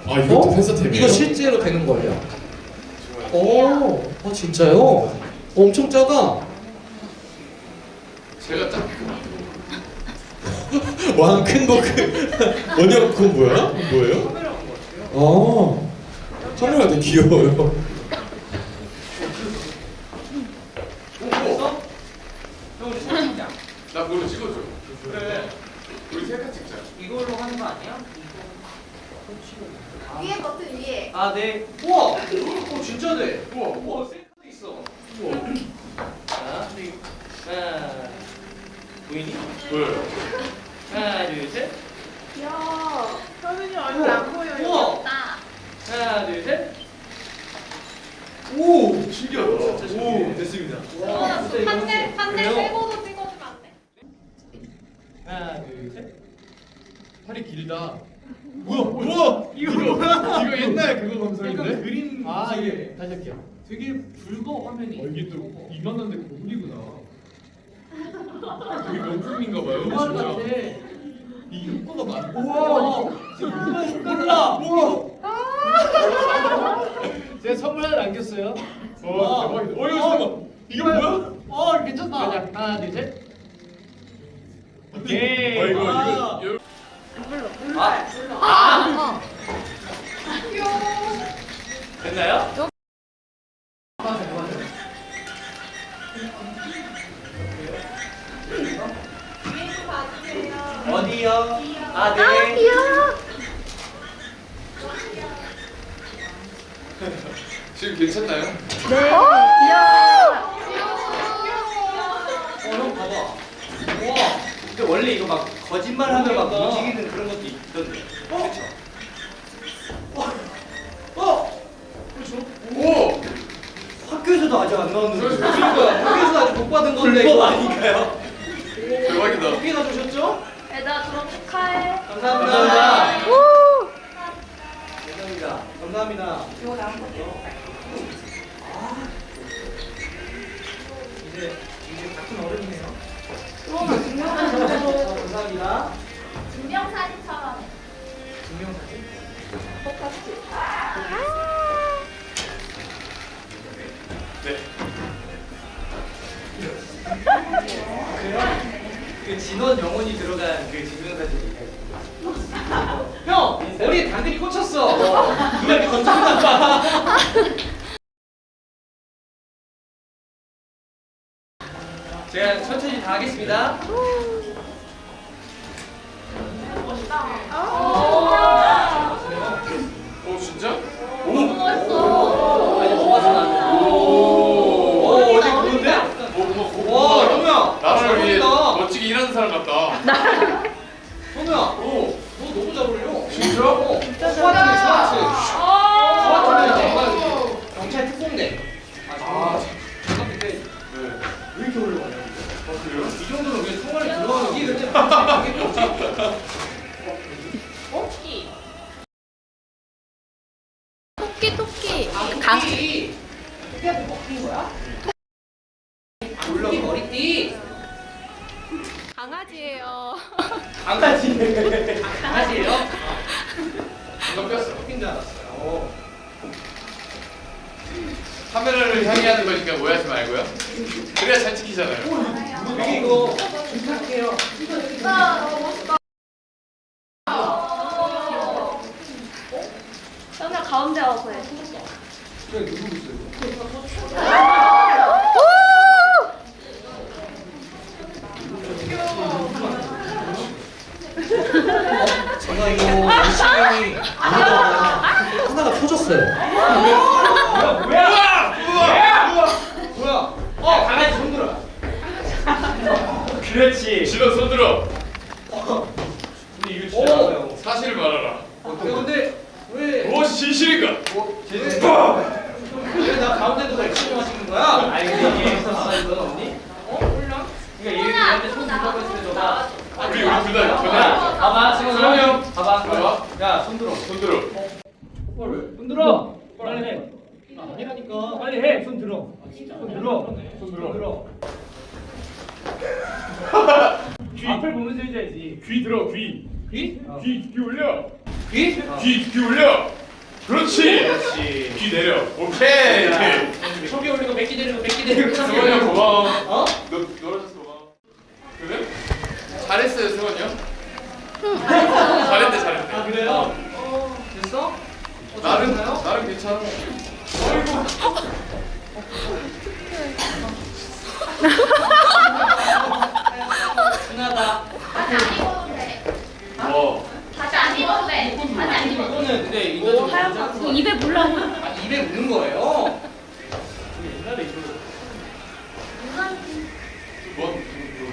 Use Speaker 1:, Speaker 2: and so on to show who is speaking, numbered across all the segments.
Speaker 1: 아 이것도 회사템이에요?
Speaker 2: 이거 실제로 되는 거예요? 오, 진짜요? 엄청 작아.
Speaker 1: 제가 딱 왕 큰 거 원형 그건 뭐야? 그건 뭐예요? 카메라 되게 귀여워요. 나 그걸로 찍어줘. 그래. 우리 셀카 찍자.
Speaker 3: 이걸로 하는 거 아니야?
Speaker 4: 위에 버튼 위에.
Speaker 3: 아, 네. 우와! 진짜 돼. 우와, 셀카도 있어. 우와. 자, 하나. 보이니?
Speaker 1: 보여요.
Speaker 3: 하나, 둘, 셋.
Speaker 4: 귀여워. 서준이 얼굴 안 보여.
Speaker 3: 우와.
Speaker 4: 귀엽다.
Speaker 3: 하나, 둘, 셋.
Speaker 1: 오 신기하다.
Speaker 3: 오, 됐습니다. 와, 진짜 이거
Speaker 4: 판넬
Speaker 3: 그래요?
Speaker 4: 빼고도 찍어주면 안 돼?
Speaker 3: 하나, 둘, 셋.
Speaker 1: 팔이 길다.
Speaker 3: 뭐야? 이거 뭐야?
Speaker 1: 이거 옛날 그거 감성인데?
Speaker 3: 약간 그림.
Speaker 1: 아 이게 다시 할게요.
Speaker 3: 되게 붉어 화면이.
Speaker 1: 이게 또 이만한데 고글이구나. 되게 명품인가 봐요.
Speaker 3: 음악
Speaker 1: 진짜.
Speaker 3: 같아.
Speaker 1: 이 효과가 많아.
Speaker 3: 우와. 지금 음악 효과다. 우와. 제가 선물 하나 남겼어요.
Speaker 1: 와 대박이다. 이거 잠깐만. 이게 뭐야?
Speaker 3: 괜찮다. 하나, 둘, 셋. 오케이.
Speaker 1: 이거
Speaker 3: 됐나요?
Speaker 4: 위에서 봐주세요.
Speaker 3: 어디요? 아, 네.
Speaker 4: 귀여워.
Speaker 1: 지금 괜찮나요?
Speaker 3: 형 봐봐. 우와. 근데 원래 이거 막 거짓말하면 막 움직이는 그런 것도 있던데. 그렇죠? 그렇죠?
Speaker 1: 오.
Speaker 3: 학교에서도 아직 안 나왔는데.
Speaker 1: 그러니까.
Speaker 3: 그러니까 학교에서 아직 못 받은 건데. 불법 아닌가요?
Speaker 1: 대박이다.
Speaker 3: 어떻게 가져오셨죠?
Speaker 4: 얘들아 졸업 축하해.
Speaker 3: 감사합니다. 감사합니다. 감사합니다.
Speaker 4: 이거 나온 거죠?
Speaker 3: 이제 같은 어른이네요.
Speaker 4: 그러면 증명사진.
Speaker 3: 감사합니다.
Speaker 4: 증명사진처럼
Speaker 3: 증명사진.
Speaker 4: 똑같이.
Speaker 1: 네.
Speaker 3: 그래요? 그 진원 영혼이 들어간 그 증명사진이. 형! 머리에 단들이 꽂혔어! 누가 이렇게 건졌나 봐. 제가 천천히 다 하겠습니다.
Speaker 1: 오 진짜?
Speaker 3: 너무 멋있어. 아니, 뭐가 나. 오, 어제 그건데? 와, 현우야.
Speaker 1: 나라를 위해
Speaker 3: 잘한다.
Speaker 1: 멋지게 일하는 사람 같다.
Speaker 3: 현우야, 너 너무 잘 어울려.
Speaker 1: 진짜?
Speaker 3: 스와트네, 스와트. 스와트는 이제 경찰 특공대. 잠깐 근데
Speaker 1: 네.
Speaker 3: 왜 이렇게 올라가냐?
Speaker 1: 그래요?
Speaker 3: 이 정도는 왜 통화를 들어가는 이게 근데 이게 뭐지?
Speaker 4: 토끼.
Speaker 3: 토끼. 토끼한테 먹힌 거야? 토끼 머리띠.
Speaker 4: 강아지예요.
Speaker 3: 강아지. 강아지예요?
Speaker 1: 이거 뺐어.
Speaker 3: 토끼인 줄 알았어요.
Speaker 1: 카메라를 향해 하는 거니까 오해하지 말고요. 그래야 잘 찍히잖아요.
Speaker 3: 되게 이거 부탁해요.
Speaker 4: 현우야 가운데 와서 해.
Speaker 3: 그래 누르고 있어요.
Speaker 2: 제가 이거 열심히 하다가 하나가 터졌어요.
Speaker 3: 뭐야? 강아지 손 들어. 그렇지.
Speaker 1: 진호 손 들어. 근데 이거 진짜
Speaker 3: 오.
Speaker 1: 사실을 말하라.
Speaker 3: 근데 왜?
Speaker 1: 무엇이 진실인가?
Speaker 3: 왜나 가운데도 날 치료하시는 거야? 아니 근데 이게 있었어 이건 언니? 몰라. 그러니까 얘한테 손 들라고 했을 때 너가
Speaker 1: 우리 둘 다 전화.
Speaker 3: 봐봐 지금
Speaker 1: 수영이
Speaker 3: 형
Speaker 1: 형.
Speaker 3: 봐봐.
Speaker 1: 봐봐.
Speaker 3: 야손 들어.
Speaker 1: 손 들어.
Speaker 3: 손 들어. 빨리 해. 아니라니까. 빨리 해. 손 들어. 손 들어.
Speaker 1: 손 들어.
Speaker 3: 귀 앞을 보면서 해줘야지.
Speaker 1: 귀 들어 귀.
Speaker 3: 귀?
Speaker 1: 귀 올려.
Speaker 2: 귀?
Speaker 5: 귀 올려. 그렇지.
Speaker 2: 그렇지.
Speaker 5: 귀 내려. 오케이.
Speaker 3: 소리 올리고 맥기 내리고 맥기 내리고.
Speaker 5: 승원이 형 고마워.
Speaker 3: 어?
Speaker 5: 놀아줘서 고마워. 그래? 잘했어요, 승원이 형. 잘했대.
Speaker 3: 아 그래요? 됐어?
Speaker 5: 나름 괜찮아. 어이구.
Speaker 3: 순하다.
Speaker 4: 다시 안 입어도 돼.
Speaker 5: 뭐?
Speaker 4: 다시 안 입어도 돼. 다시 안 입어도 돼.
Speaker 3: 이거는 근데 이거 좀 하얀
Speaker 4: 입에 물라고.
Speaker 3: 아니 입에 묻는 거예요. 옛날에 이거
Speaker 5: 뭐?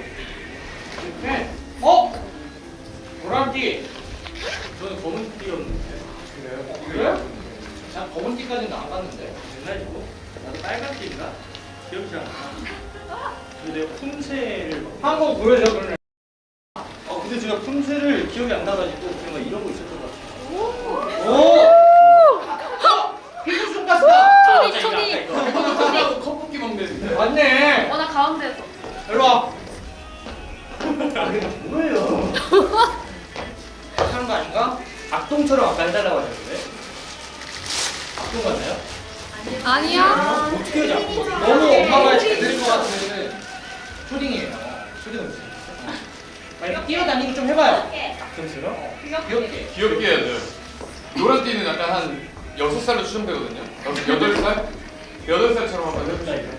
Speaker 3: 네. 어? 노란띠. 저는 검은 띠였는데. 그래요? 난 검은 띠까지는 안 갔는데. 옛날이고. 나도 빨간 띠인가? 기억이 잘 안 나. 근데 내가 품새를 한번 보여줘 그러면. 근데 제가 품새를 기억이 안 나가지고 그냥 막 이러고 있었던 것 같아요. 오! 피부 손가스다.
Speaker 4: 초디.
Speaker 5: 컵볶이 먹네.
Speaker 3: 맞네.
Speaker 4: 나 가운데서.
Speaker 3: 일로 와. 아, 그게 뭐예요? 하는 거 아닌가? 악동처럼 아까 해달라고 하셨는데. 악동 같나요?
Speaker 4: 아니야.
Speaker 3: 어떻게 하지? 너무 엄마가 잘 들은 것 같은 초딩이에요. 초딩 음식. 이렇게 뛰어다니고 좀 해봐요. 악동처럼? 귀엽게.
Speaker 5: 귀엽게 해야 돼요. 노란 띠는 약간 한 6살로 추정되거든요. 8살? 8살처럼 한번 해보시죠.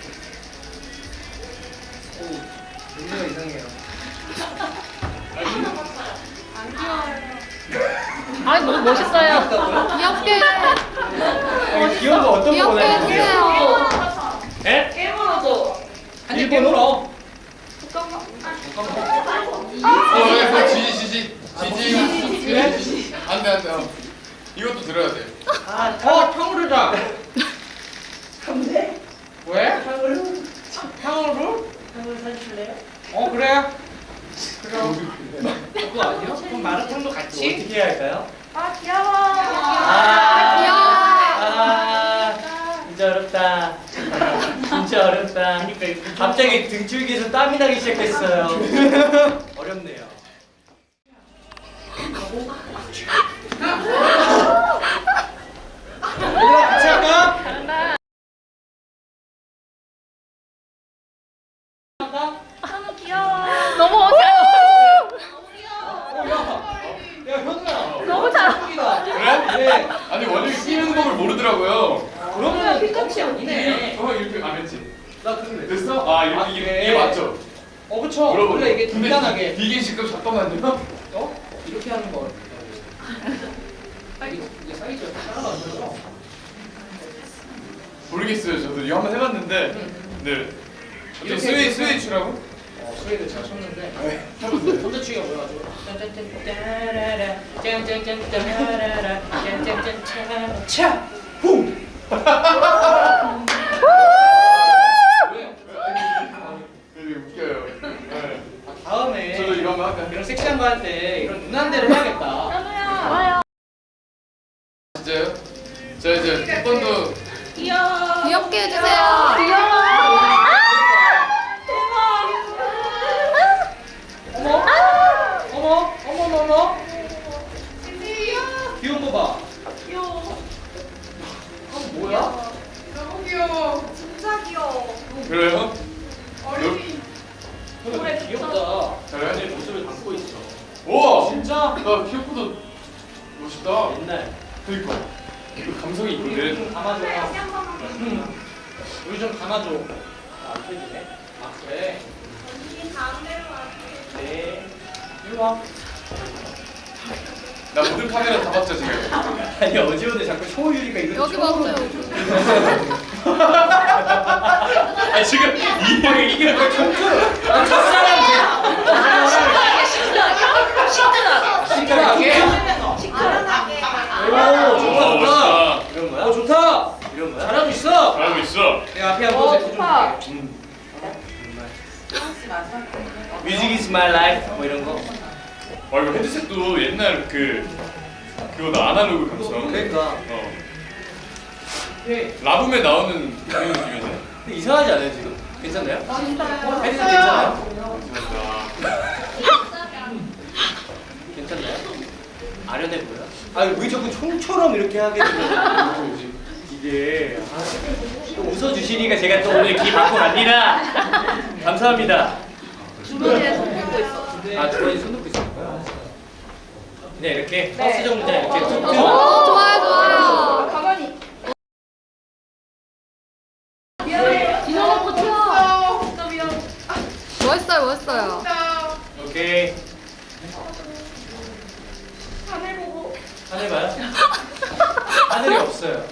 Speaker 3: 눈매가 이상해요.
Speaker 4: 아니 너무 멋있어요. 귀엽게.
Speaker 3: 아니, 귀여운 거 어떤 거
Speaker 4: 귀엽게
Speaker 3: 원하는 거예요?
Speaker 4: 해주세요.
Speaker 3: 에?
Speaker 4: 일본어도.
Speaker 3: 아니, 일본어로?
Speaker 5: 지지. 안 돼. 이것도 들어야 돼.
Speaker 3: 탕후루 자. 왜? 탕후루? 탕후루 사주실래요? 그래. 그거 아니요? 그럼 마라탕도 같이? 어떻게 해야 할까요?
Speaker 4: 아 귀여워.
Speaker 3: 진짜 어렵다. 진짜 어렵다. 갑자기 등줄기에서 땀이 나기 시작했어요. 어렵네요. 얘들아 같이 할까?
Speaker 4: 너무 귀여워. 너무 어려워.
Speaker 3: 야 현우야.
Speaker 4: 너무 잘.
Speaker 5: 그래?
Speaker 3: 네.
Speaker 5: 아니 원영이 끼는 법을 모르더라고요.
Speaker 3: 그러면 끝이 아니네.
Speaker 5: 이렇게 안 했지?
Speaker 3: 나 그래.
Speaker 5: 됐어? 이렇게
Speaker 3: 그래.
Speaker 5: 이게 맞죠?
Speaker 3: 그쵸. 원래 이게 든든하게.
Speaker 5: 이게 지금 잠깐만요.
Speaker 3: 이렇게 하는 거. 이게 사이즈가 따라가죠.
Speaker 5: 모르겠어요. 저도 이거 한번 해봤는데. 네.
Speaker 3: 이렇게
Speaker 5: 스웨이추라고?
Speaker 3: 스웨이드 잘 쳤는데.
Speaker 5: 해보세요.
Speaker 3: 혼자치기가 뭐여가지고. 짠짠짠 따라라 짠짠짠 따라라 짠짠짠 차라 차 붕.
Speaker 5: 되게 웃겨요. 네.
Speaker 3: 다음에
Speaker 5: 저도 이거 한번 할까요?
Speaker 3: 이런 섹시한 거 할 때 이런 누난 대로 해야겠다.
Speaker 4: 좋아요.
Speaker 5: 진짜요? 자 이제 한 번도
Speaker 4: 귀엽게 해주세요. 귀여워.
Speaker 3: 어머. 귀여운 거 봐.
Speaker 4: 귀여워.
Speaker 3: 뭐야?
Speaker 4: 너무 귀여워. 진짜 귀여워.
Speaker 5: 그래요?
Speaker 3: 그래 귀엽다.
Speaker 5: 잘해?
Speaker 3: 모습을 담고 있어.
Speaker 5: 우와!
Speaker 3: 진짜?
Speaker 5: 나 키오프도 멋있다.
Speaker 3: 옛날.
Speaker 5: 그니까 이거 감성이
Speaker 3: 우리
Speaker 5: 있는데.
Speaker 3: 좀 감아줘. 우리 좀 감아줘. 안 펴지네. 그래. 네. 일로 와.
Speaker 5: 나 모든 카메라 다 봤죠 지금.
Speaker 3: 아니 어제 오늘 자꾸 초유리가 이런
Speaker 4: 여기 봤어요.
Speaker 3: 아 지금 이게 왜 청춘? 첫사랑 시크하게. 오 좋다. 이런 거야? 좋다. 이런 거야? 잘하고 있어.
Speaker 5: 잘하고 있어.
Speaker 3: 내가 앞에 한번
Speaker 4: 좋다.
Speaker 3: 해줄게. Music is my life 뭐 이런 거.
Speaker 5: 이거 헤드셋도 옛날 그거 아날로그 감성.
Speaker 3: 그러니까.
Speaker 5: 라붐에 나오는 그런 느낌이네.
Speaker 3: 근데 이상하지 않아요 지금? 괜찮나요? 헤드셋 괜찮아요?
Speaker 5: 감사합니다.
Speaker 3: 괜찮나요? 아련해 보여? 왜 자꾸 총처럼 이렇게 하게 되는 이게 또 웃어주시니까 제가 또 오늘 기 받고 갑니다. 감사합니다.
Speaker 4: 주머니에 손 들고 있어.
Speaker 3: 주머니 손 놓고 있어요? 네, 이렇게 버스 정류장 이렇게 툭툭.
Speaker 4: 좋아요, 좋아요. 가만히. 뒤져놓고 튀어. 멋있어요, 멋있어요.
Speaker 3: 오케이.
Speaker 4: 하늘 보고.
Speaker 3: 하늘 봐요? 하늘이 없어요.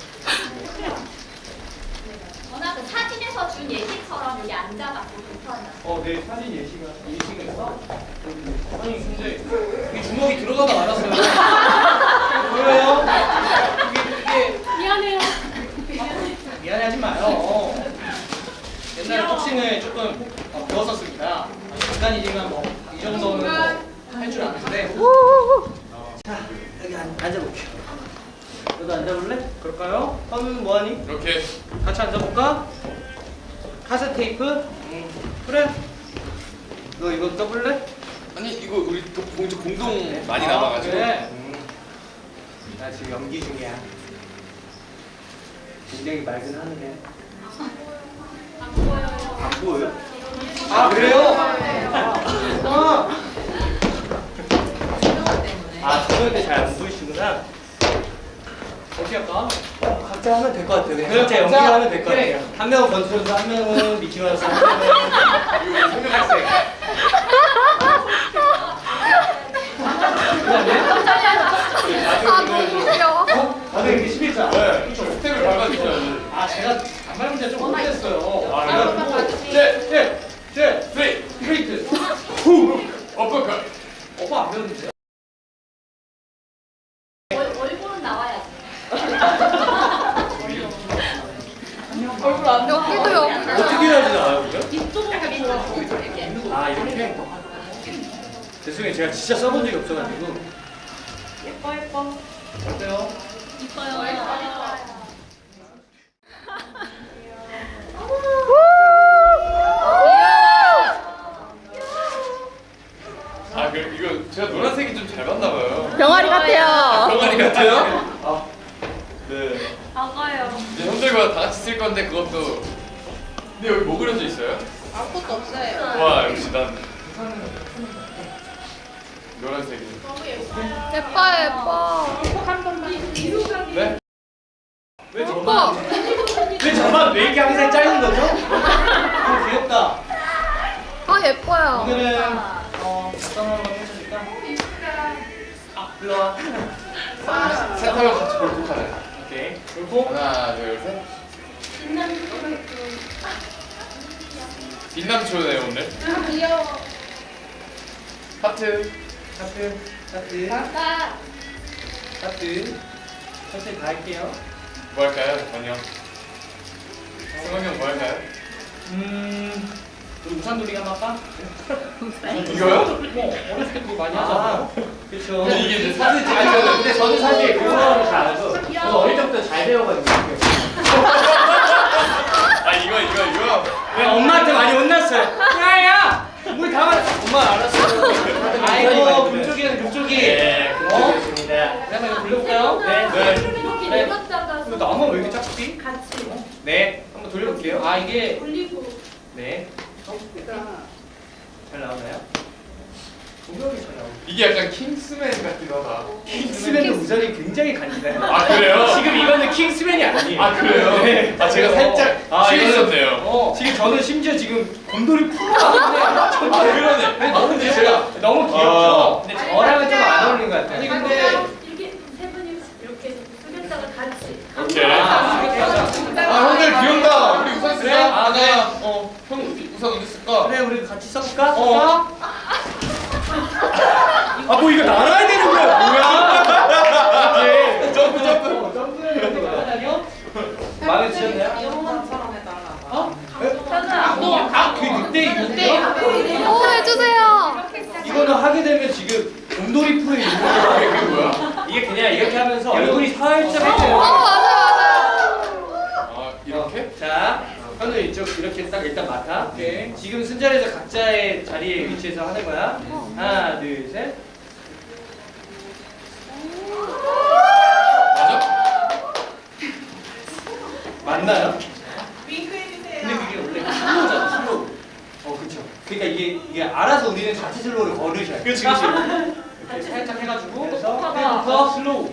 Speaker 6: 워낙 그 사진에서 준 예시처럼 여기 앉아갖고 불편하다.
Speaker 3: 네, 사진 예시가 있어? 아니, 근데 이게 주먹이 들어가다 말았어요. 보여요? 이게
Speaker 6: 미안해요.
Speaker 3: 미안해하지 마요. 옛날에 복싱을 조금 배웠었습니다. 잠깐이지만 뭐 이 정도는 할 줄 아는데. 자, 여기 앉아볼게요. 너도 앉아볼래? 그럴까요? 현우는 뭐하니?
Speaker 5: 이렇게
Speaker 3: 같이 앉아볼까? 카세트 테이프? 그래. 너 이거 떠볼래?
Speaker 5: 아니 이거 우리 공동 많이 남아가지고
Speaker 3: 그래. 나 지금 연기 중이야. 굉장히 맑은 하늘에.
Speaker 6: 안 보여요.
Speaker 3: 안 보여요? 그래요? 조명 때 잘 안 보이시구나. 어떻게 할까? 각자 하면 될 것 같아요. 그냥 각자 연기하면 될 것 같아요. 한 명은 권투선수, 한 명은 미키마우스, 한 명은
Speaker 5: 이거 성명학생
Speaker 4: 아, 너무 귀여워.
Speaker 3: 다들 이렇게 11자.
Speaker 5: 네 스텝을 밟아주셔야지
Speaker 3: 제가 단발 문제 좀 못했어요.
Speaker 5: 셋
Speaker 3: 스트레이트.
Speaker 5: 후 어퍼컷
Speaker 3: 오빠 안 배웠는데?
Speaker 6: 얼굴은 나와야지.
Speaker 4: 얼굴 안 여기도 여기도.
Speaker 3: 어떻게 해야지 나와요, 그죠?
Speaker 6: 이쪽으로 이렇게.
Speaker 3: 이렇게? 죄송해요. 제가 진짜 써본 적이 없어가지고.
Speaker 6: 예뻐 예뻐.
Speaker 3: 어때요?
Speaker 6: 이뻐요.
Speaker 5: 이거 제가 노란색이 좀 잘 맞나 봐요
Speaker 4: 병아리 같아요.
Speaker 5: 병아리 같아요? 네
Speaker 6: 아가요.
Speaker 5: 이제 형들과 다 같이 쓸 건데 그것도 근데 여기 뭐 그려져 있어요?
Speaker 4: 아무것도 없어요.
Speaker 5: 와 역시 난 노란색이
Speaker 4: 예뻐요, 예뻐.
Speaker 5: 네?
Speaker 3: 왜
Speaker 4: 예뻐.
Speaker 3: 왜 저만 왜 이렇게 항상 짧은 거죠? 귀엽다.
Speaker 4: 아, 예뻐요.
Speaker 3: 오늘은 어떤 걸 한번 해주실까? 불러와.
Speaker 5: 세타로 같이 볼콕하네
Speaker 3: 오케이. 볼콕.
Speaker 5: 하나 둘셋 빛남초네 오늘
Speaker 4: 귀여워.
Speaker 5: 하트
Speaker 3: 하트. 하트. 하트. 천천히 다 할게요.
Speaker 5: 뭐 할까요? 전혀 승원이 형 뭐 할까요?
Speaker 3: 우리 우산놀이 한번 할까?
Speaker 5: 이거요?
Speaker 3: 뭐 어렸을 때 그거 많이 하잖아요. 그렇죠.
Speaker 5: 근데 이게 이제 사진 찍을
Speaker 3: 아니,
Speaker 5: 때는
Speaker 3: 근데 저는 사실 그거를 잘 알아서 저는 어릴 때부터 잘 배워가지고.
Speaker 5: 이거
Speaker 3: 왜 엄마한테 많이 혼났어요? 야야! 우리 다 엄마 알았어요. 아이고 그쪽이는 그쪽이.
Speaker 5: 네
Speaker 3: 그쪽이었습니다. 한번 이거 돌려볼까요? 네.
Speaker 6: 이렇게
Speaker 3: 네.
Speaker 6: 내렸다가
Speaker 3: 근데 나만 왜 이렇게 작지?
Speaker 6: 같이
Speaker 3: 네. 한번 돌려볼게요. 이게
Speaker 6: 올리고.
Speaker 3: 네. 잘 나오나요? 조명이 잘 나오고.
Speaker 5: 이게 약간 킹스맨 같기도 하다
Speaker 3: 킹스맨도 우산이 굉장히 간지나요.
Speaker 5: 아 그래요?
Speaker 3: 지금 이거는 킹스맨이 아니에요.
Speaker 5: 아 그래요?
Speaker 3: 네.
Speaker 5: 아 제가 살짝 취했었네요
Speaker 3: 지금 저는 심지어 지금 곰돌이 풀어.
Speaker 5: 아 그러네 근데 제가
Speaker 3: 너무 귀엽죠? 근데 저랑은 좀 안 어울리는 것 같아요.
Speaker 5: 아니,
Speaker 6: 근데
Speaker 5: 근데-
Speaker 6: 이렇게 세 분이 이렇게 숙였다가 같이.
Speaker 5: 오케이
Speaker 3: 아,
Speaker 5: 형들 귀엽다 우리 우산 쓰자
Speaker 3: 그래? 아, 네.
Speaker 5: 형 우산 어디 쓸까?
Speaker 3: 그래 우리 같이 써볼까? 뭐 이거 날아야 되는 거야 뭐야? 이렇게
Speaker 5: 점프
Speaker 3: 점프를 날아다녀? 마음에 드셨나요? 늑대
Speaker 4: 오, 해주세요.
Speaker 3: 이거는 하게 되면 지금 곰돌이 풀에 있는 거야.
Speaker 5: 그게 뭐야?
Speaker 3: 이게 그냥 이렇게 하면서 얼굴이 살짝
Speaker 4: 어,
Speaker 3: 해져요.
Speaker 4: 맞아요, 맞아요.
Speaker 5: 아 이렇게?
Speaker 3: 자, 현우 이쪽 이렇게 딱 일단 맡아. 지금 순자리에서 각자의 자리에 위치해서 하는 거야. 하나, 둘, 셋. 슬로우를 걸으셔야 돼요.
Speaker 2: 그렇지.
Speaker 3: 이렇게 살짝 해가지고 그래서
Speaker 4: 봐봐.
Speaker 3: 더 슬로우.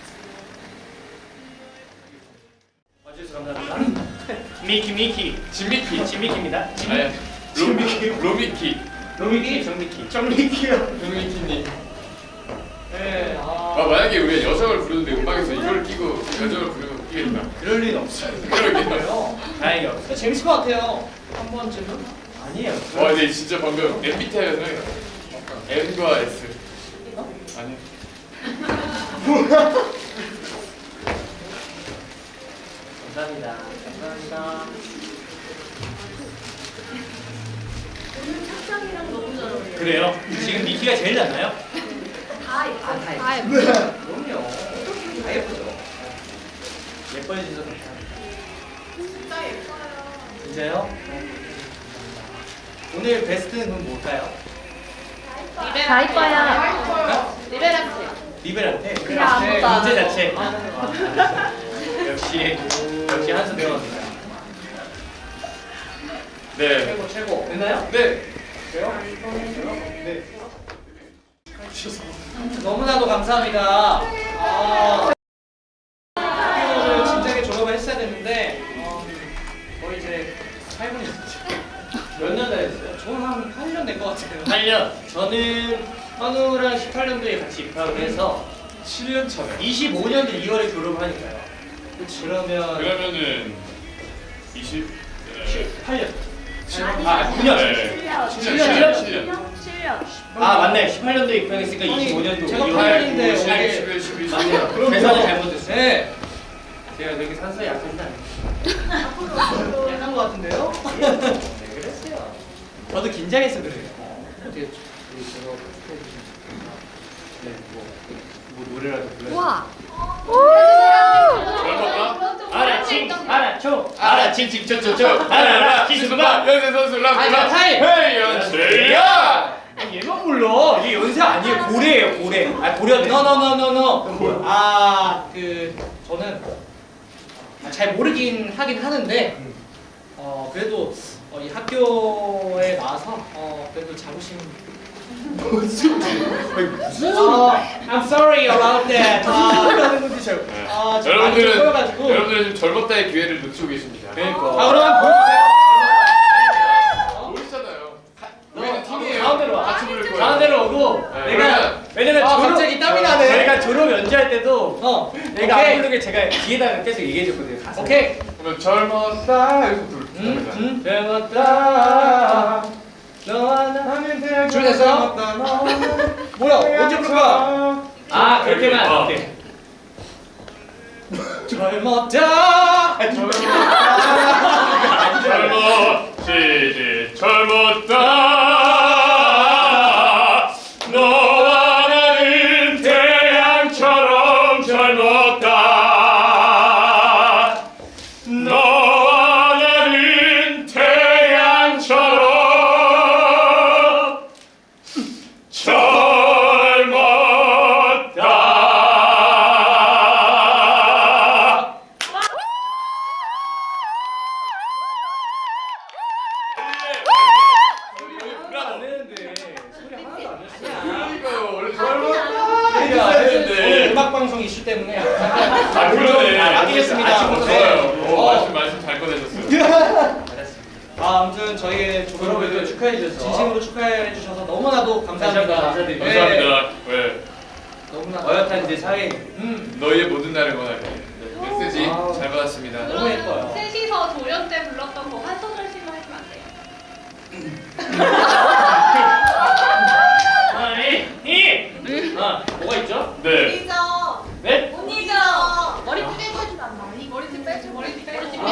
Speaker 3: 와주셔서 감사합니다. 미키. 진미키입니다.
Speaker 5: 아니 로미키.
Speaker 3: 로미키, 정미키요.
Speaker 5: 로미키님.
Speaker 3: 네.
Speaker 5: 아 만약에 우리가 여성을 부르는데 음악에서 이걸 끼고 여성을 부르면 웃기겠다.
Speaker 3: 그럴 리는 없어요.
Speaker 5: 그러게요.
Speaker 3: 다행히 없어요. 재밌을 것 같아요. 한 번쯤은? 아니에요.
Speaker 5: 와 근데 진짜 방금 MBTI가 생각이 나. M과 S. 아니.
Speaker 3: 감사합니다.
Speaker 6: 오늘 착장이랑 너무 잘 어울려요.
Speaker 3: 그래요? 지금 미키가 제일 낫나요?
Speaker 6: 다 예뻐요.
Speaker 4: 다 예뻐요.
Speaker 3: 그럼요. 다 예쁘죠. 예뻐해주셔서 감사합니다.
Speaker 6: 진짜 예뻐요.
Speaker 3: 진짜요? 오늘 베스트는 그럼 뭘까요?
Speaker 4: 다 예뻐요.
Speaker 6: 리베란트.
Speaker 3: 리베란테?
Speaker 4: 그냥 아무것도 안
Speaker 3: 문제
Speaker 4: 하고.
Speaker 3: 자체. 역시 한수 배웠습니다.
Speaker 5: 네.
Speaker 3: 최고. 됐나요?
Speaker 5: 네.
Speaker 3: 그래요? 네. 너무나도 감사합니다. 학교를 진작에 졸업을 했어야 됐는데 거의 이제 8분이 됐죠. 몇 년 다녔어요? 저는 한 8년 된 것 같아요. 8년. 저는 현우랑 18년도에 같이 입학을 해서
Speaker 5: 7년 차네.
Speaker 3: 25년도 2월에 졸업하니까요. 그러면
Speaker 5: 그러면은 20.
Speaker 3: 8년.
Speaker 6: 아니,
Speaker 3: 9년.
Speaker 5: 네.
Speaker 3: 7년.
Speaker 6: 7년.
Speaker 3: 아 맞네. 18년도에 입학했으니까 25년도. 제가 8년인데
Speaker 5: 11, 12.
Speaker 3: 맞네요. 계산을 잘못했어요. 네. 제가 되게 산소에 약한 게 아니에요. 약한 것 같은데요? 네, 그랬어요. 저도 긴장해서 그래요. 어떻게 제가 네, 뭐 노래라도 불러요.
Speaker 4: 우와.
Speaker 3: 알아침 칭초초초 알아라 기수마
Speaker 5: 연세 선수 람라.
Speaker 3: 타임.
Speaker 5: 헤이 연세야.
Speaker 3: 얘만 불러. 이게 연세 아니에요. 고래예요, 고래. 아, 고려네. 노노노노노. 그럼 뭐야? 저는 잘 모르긴 하긴 하는데 그래도 이 학교에 나와서 그래도 자부심 무슨 I'm sorry about that. 하는 건지 잘.
Speaker 5: 여러분들은 지금 젊었다의 기회를 놓치고 계십니다.
Speaker 3: 그러니까. 그럼 보여주세요.
Speaker 5: 모르시잖아요. 우리는 팀이에요.
Speaker 3: 가운데로 와.
Speaker 5: 같이 부를 거예요.
Speaker 3: 가운데로 오고
Speaker 5: 네,
Speaker 3: 내가 왜냐면
Speaker 2: 갑자기 땀이 나네.
Speaker 3: 저희가 졸업 연주할 때도 내가
Speaker 2: 오케이.
Speaker 3: 안 부르게 제가 뒤에다가 계속 얘기해줬거든요. 가사.
Speaker 2: 오케이.
Speaker 5: 그러면 젊었다 여기서 부릅니다.
Speaker 3: 젊었다 너와 나
Speaker 2: 준비됐어요? 뭐야? 언제 부를 거야?
Speaker 3: 아 그렇게만 오케이. 젊었다
Speaker 5: 젊었지 젊었다 너와 나는 태양처럼 젊었다 너와 나는 태양처럼 젊었다.
Speaker 3: 안 되는데 소리 하나도 안 냈어요.
Speaker 5: 그러니까요. 원래
Speaker 3: 오늘 음악 방송 이슈 때문에
Speaker 5: 아 그러네.
Speaker 3: 아끼겠습니다.
Speaker 5: 좋아요. 말씀 잘 꺼내셨어요.
Speaker 3: 아무튼 저희의 졸업을 축하해 주셔서 진심으로 축하해 주셔서 너무나도 감사합니다.
Speaker 4: 감사드립니다.
Speaker 5: 감사합니다. 왜?
Speaker 3: 너무나 어엿한 이제 사회.
Speaker 5: 너희의 모든 날을 원하게. 메시지
Speaker 3: 아우.
Speaker 5: 잘 받았습니다.
Speaker 3: 너무 예뻐요.
Speaker 6: 그럼 셋이서 조연 때 불렀던 거 한 소절씩만 해주면 안 돼요?
Speaker 3: 뭐가 있죠?
Speaker 5: 네.
Speaker 6: 언니죠.
Speaker 3: 네?
Speaker 6: 언니죠. 머리띠 빼고 해주면 안 돼. 머리띠 빼고. 머리띠 빼고.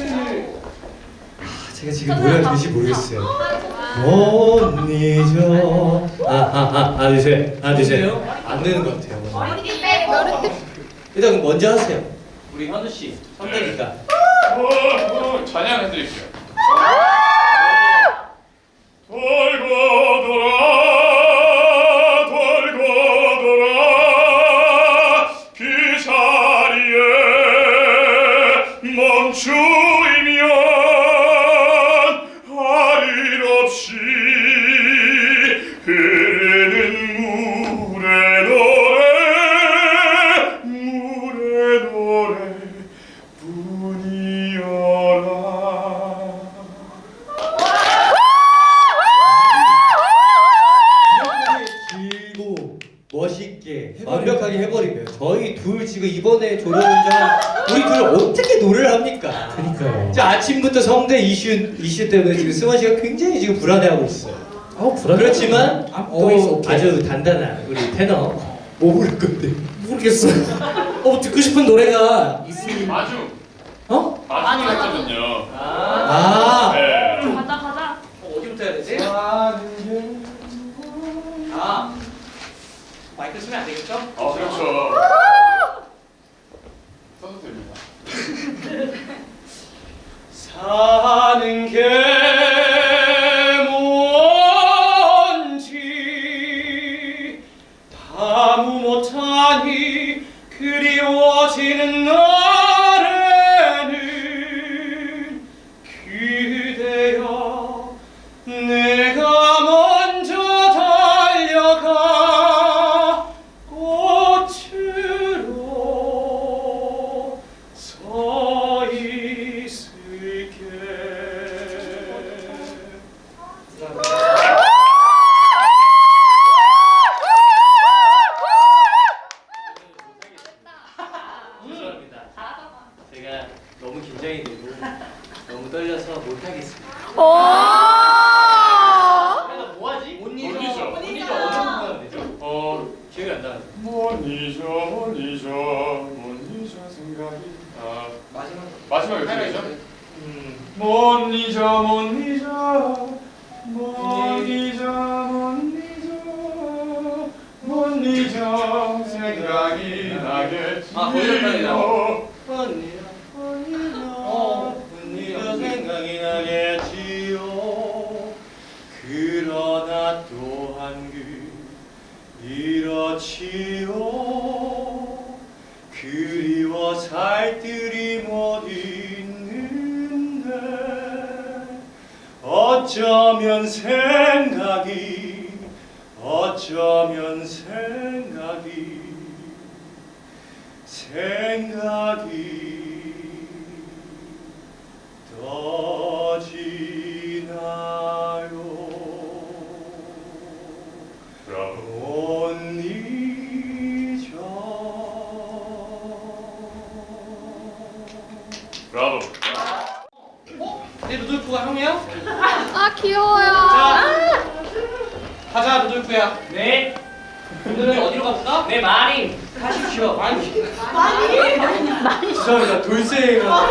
Speaker 2: 제가 지금 뭐 해야 될지 모르겠어요. 못 잊어. 하나 둘 셋. 하나 둘 셋. 안 되는 것 같아요.
Speaker 6: 머리띠 빼고.
Speaker 2: 일단 그럼 먼저 하세요.
Speaker 3: 우리 현우 씨 선배니까.
Speaker 5: 찬양해드릴게요. 돌고 돌아 그 자리에 멈추면 할 일 없이
Speaker 2: 마치시고 이번에 졸업운전 우리 둘 어떻게 노래를 합니까?
Speaker 1: 그니까요.
Speaker 2: 자, 아침부터 성대 이슈 때문에 지금 승원 씨가 굉장히 지금 불안해하고 있어요.
Speaker 1: 불안해.
Speaker 2: 그렇지만 또 아주 단단한 우리 테너 뭐 부를 건데?
Speaker 1: 모르겠어요. 듣고 싶은 노래가 있으면.
Speaker 5: 마중.
Speaker 2: 어?
Speaker 5: 마중이 했거든요.
Speaker 2: 아,
Speaker 5: 네.
Speaker 4: 가자 가자.
Speaker 3: 어디부터 해야 되지? 마이크 쓰면 안 되겠죠?
Speaker 5: 그렇죠. 써도 됩니다.
Speaker 3: 사는 게 뭔지 다무 못하니 그리워지는 날에는 그대여 내가 먼저 달려가 꽃으로 서 있을게.
Speaker 2: 죄송합니다. 제가 너무 긴장이 되고 너무 떨려서 못하겠습니다. 내가 뭐하지?
Speaker 3: 못
Speaker 5: 못
Speaker 3: 잊어.
Speaker 5: 잊어.
Speaker 3: 못 잊어.
Speaker 2: 어느 부분 하면 되죠? 기억이 안 나는데.
Speaker 5: 못 잊어 생각이.
Speaker 3: 마지막.
Speaker 5: 마지막에 어떻게 되죠? 못 잊어 생각이 나겠지요.
Speaker 3: 언니가 생각이 나겠지요. 그러나 또한 이렇지요. 그리워 살뜰히 못 있는데 어쩌면 생각이 떠지나요.
Speaker 5: 브라보.
Speaker 3: 못 잊어.
Speaker 5: 브라보.
Speaker 3: 내 루돌프가 형이야?
Speaker 4: 아 귀여워요.
Speaker 3: 가자 루돌프야.
Speaker 2: 네,
Speaker 3: 오늘은 어디로 갑니까?
Speaker 2: 네 마님.
Speaker 3: 가십시오. 많이.
Speaker 2: 죄송합니다. 돌쇠가.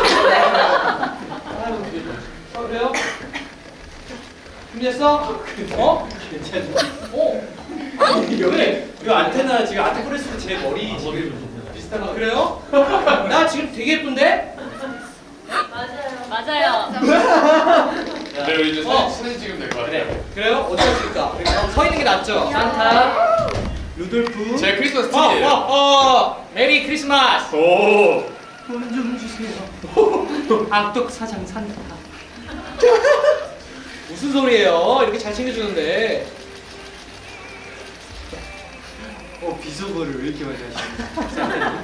Speaker 3: 그래요? 준비됐어? 어?
Speaker 2: 괜찮아.
Speaker 3: 아니 왜?
Speaker 2: 이 안테나 지금 아트프레스 제 머리 지금 비슷한 거.
Speaker 3: 그래요? 나 지금 되게 예쁜데?
Speaker 4: 맞아요.
Speaker 5: 네, 우리 이제
Speaker 3: 어.
Speaker 5: 사진 찍으면 될 것 같아요.
Speaker 2: 그래.
Speaker 3: 그래요? 어디서 찍을까? 서 있는 게 낫죠?
Speaker 2: 산타, 루돌프.
Speaker 5: 제 크리스마스 트리예요.
Speaker 3: 메리 크리스마스.
Speaker 5: 오.
Speaker 3: 돈 좀 주세요. 악덕 사장 산타. 무슨 소리예요? 이렇게 잘 챙겨주는데.
Speaker 2: 비속어를 왜 이렇게 많이 하시는?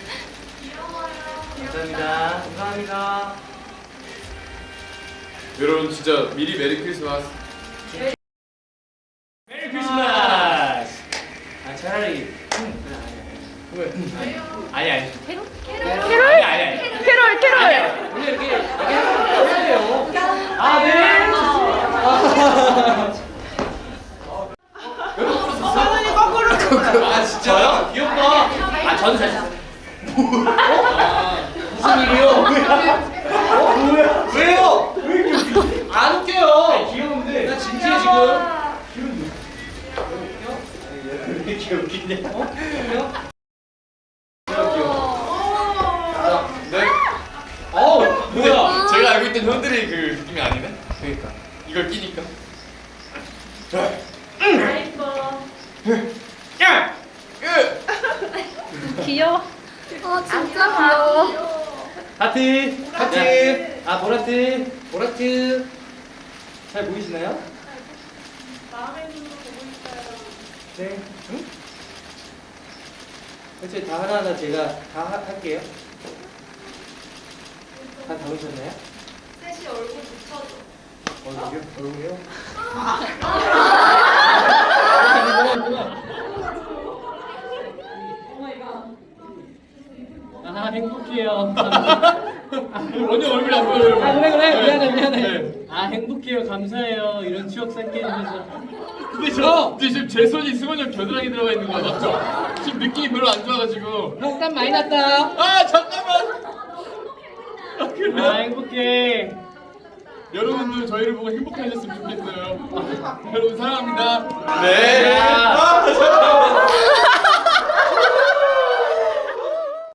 Speaker 2: 감사합니다.
Speaker 3: 감사합니다.
Speaker 5: 여러분 진짜 미리 메리 크리스마스.
Speaker 2: 메리 크리스마스. 차라리.
Speaker 3: 왜?
Speaker 2: 아니.
Speaker 4: 캐롤?
Speaker 2: 아니.
Speaker 4: 캐롤 캐롤.
Speaker 3: 원래 이렇게 해야 돼요. 아 네. 아 진짜요? 귀엽다.
Speaker 2: 저는 사실.
Speaker 3: 무슨 일이요? 왜요? 왜 이렇게 안 웃겨요?
Speaker 2: 귀여운데.
Speaker 3: 나 진지해 지금.
Speaker 2: 왜 이렇게 웃기냐?
Speaker 3: 웃겨?
Speaker 5: 네.
Speaker 3: 뭐야?
Speaker 5: 제가 알고 있던 형들이 그 느낌이 아니네. 그러니까 이걸 끼니까.
Speaker 3: 야!
Speaker 4: 귀여워. 진짜 귀여워.
Speaker 2: 하트.
Speaker 3: 하트.
Speaker 2: 보라트.
Speaker 3: 보라트.
Speaker 2: 잘 보이시나요? 네. 응? 그렇지, 다 하나하나 제가 다 할게요. 다 담으셨나요?
Speaker 6: 셋이 얼굴 붙여줘.
Speaker 2: 얼굴이요?
Speaker 3: 아 행복해요.
Speaker 5: 원영 얼굴이 안 보여요.
Speaker 3: 아 그래
Speaker 5: 네.
Speaker 3: 미안해.
Speaker 5: 네.
Speaker 3: 아 행복해요. 감사해요. 이런 추억 쌓게 해주셔서.
Speaker 5: 근데 지금 제 손이 승원이 형 겨드랑이 들어가 있는 거 맞죠? 지금 느낌이 별로 안 좋아가지고.
Speaker 3: 형 땀 많이 났다.
Speaker 5: 아 잠깐만. 아, 그래요?
Speaker 3: 아 행복해.
Speaker 5: 여러분들 저희를 보고 행복하셨으면 좋겠어요. 여러분 사랑합니다.
Speaker 1: 네. 아, 잠깐만.